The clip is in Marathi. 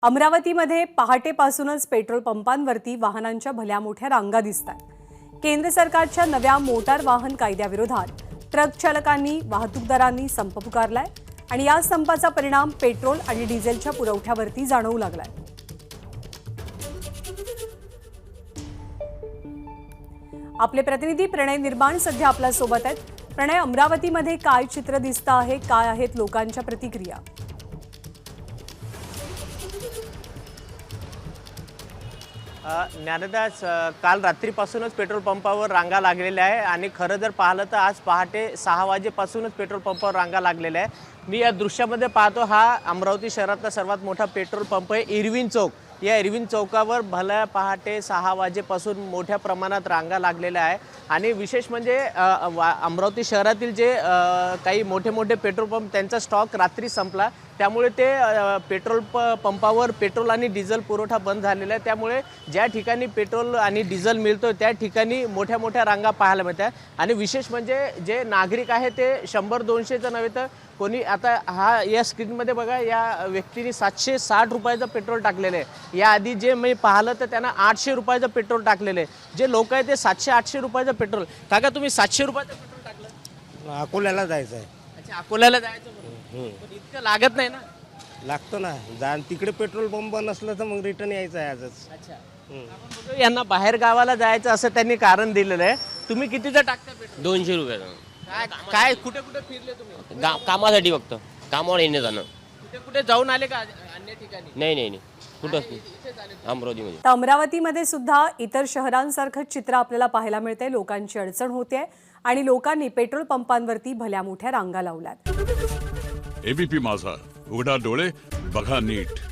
अमरावतीमध्ये पहाटेपासूनच पेट्रोल पंपांवरती वाहनांच्या भल्या मोठ्या रांगा दिसतात। केंद्र सरकारच्या नव्या मोटार वाहन कायद्याविरोधात ट्रक चालकांनी वाहतूकदारांनी संप पुकारलाय आणि या संपाचा परिणाम पेट्रोल आणि डिझेलच्या पुरवठ्यावरती जाणवू लागलाय। आपले प्रतिनिधी प्रणय निर्माण सध्या आपल्या सोबत आहेत। प्रणय, अमरावतीमध्ये काय चित्र दिसतं आहे, काय आहेत लोकांच्या प्रतिक्रिया? ज्ञानदास, काल रात्रीपासूनच पेट्रोल पंपावर रांगा लागलेल्या आहे आणि खरं जर पाहिलं तर आज पहाटे 6 वाजेपासूनच पेट्रोल पंपावर रांगा लागलेल्या आहे। मी या दृश्यामध्ये पाहतो, हा अमरावती शहरातला सर्वात मोठा पेट्रोल पंप आहे इरविन चौक। या इरविन चौकावर भल्या पहाटे 6 वाजेपासून मोठ्या प्रमाणात रांगा लागलेल्या आहे आणि विशेष म्हणजे अमरावती शहरातील जे काही मोठे मोठे पेट्रोल पंप त्यांचा स्टॉक रात्री संपला, त्यामुळे ते पेट्रोल पंपावर पेट्रोल आणि डिझेल पुरवठा बंद झालेला आहे। त्यामुळे ज्या ठिकाणी पेट्रोल आणि डिझेल मिळतो त्या ठिकाणी मोठ्या मोठ्या रांगा पाहायला मिळतात आणि विशेष म्हणजे जे नागरिक आहे ते 100-200चं नव्हे तर कोणी आता हा या स्क्रीनमध्ये बघा, या व्यक्तीने 760 रुपयाचं पेट्रोल टाकलेलं आहे। याआधी जे मी पाहिलं तर त्यांना 800 रुपयाचं पेट्रोल टाकलेलं आहे। जे लोक आहे ते 700-800 रुपयाचं पेट्रोल। काका, तुम्ही 700 रुपयाचं पेट्रोल टाकलं? अकोल्याला जायचं आहे। अच्छा, अकोल्याला जायचं म्हणून? पण इतकं लागत नाही ना? लागतो ना, तिकडे पेट्रोल पंप नसलं तर मग रिटर्न यायचं आहे आजच। अच्छा, आपण बघू, यांना बाहेर गावाला जायचं असं त्यांनी कारण दिलेलं आहे। तुम्ही कितीचं टाकता पेट्रोल? 200 रुपयाचं। काय कुठे कुठे फिरले तुम्ही? कामासाठी फक्त कामावर येणे जाणं। कुठे कुठे जाऊन आले का अन्य ठिकाणी? नाही कुठंच नाही, अमरावतीमध्ये। तर अमरावतीमध्ये सुद्धा इतर शहरांसारखं चित्र आपल्याला पाहायला मिळते। लोकांची अडचण होते आणि लोकांनी पेट्रोल पंपांवरती भल्या मोठ्या रांगा लावल्यात। एबीपी माझा, उघडा डोळे बघा नीट।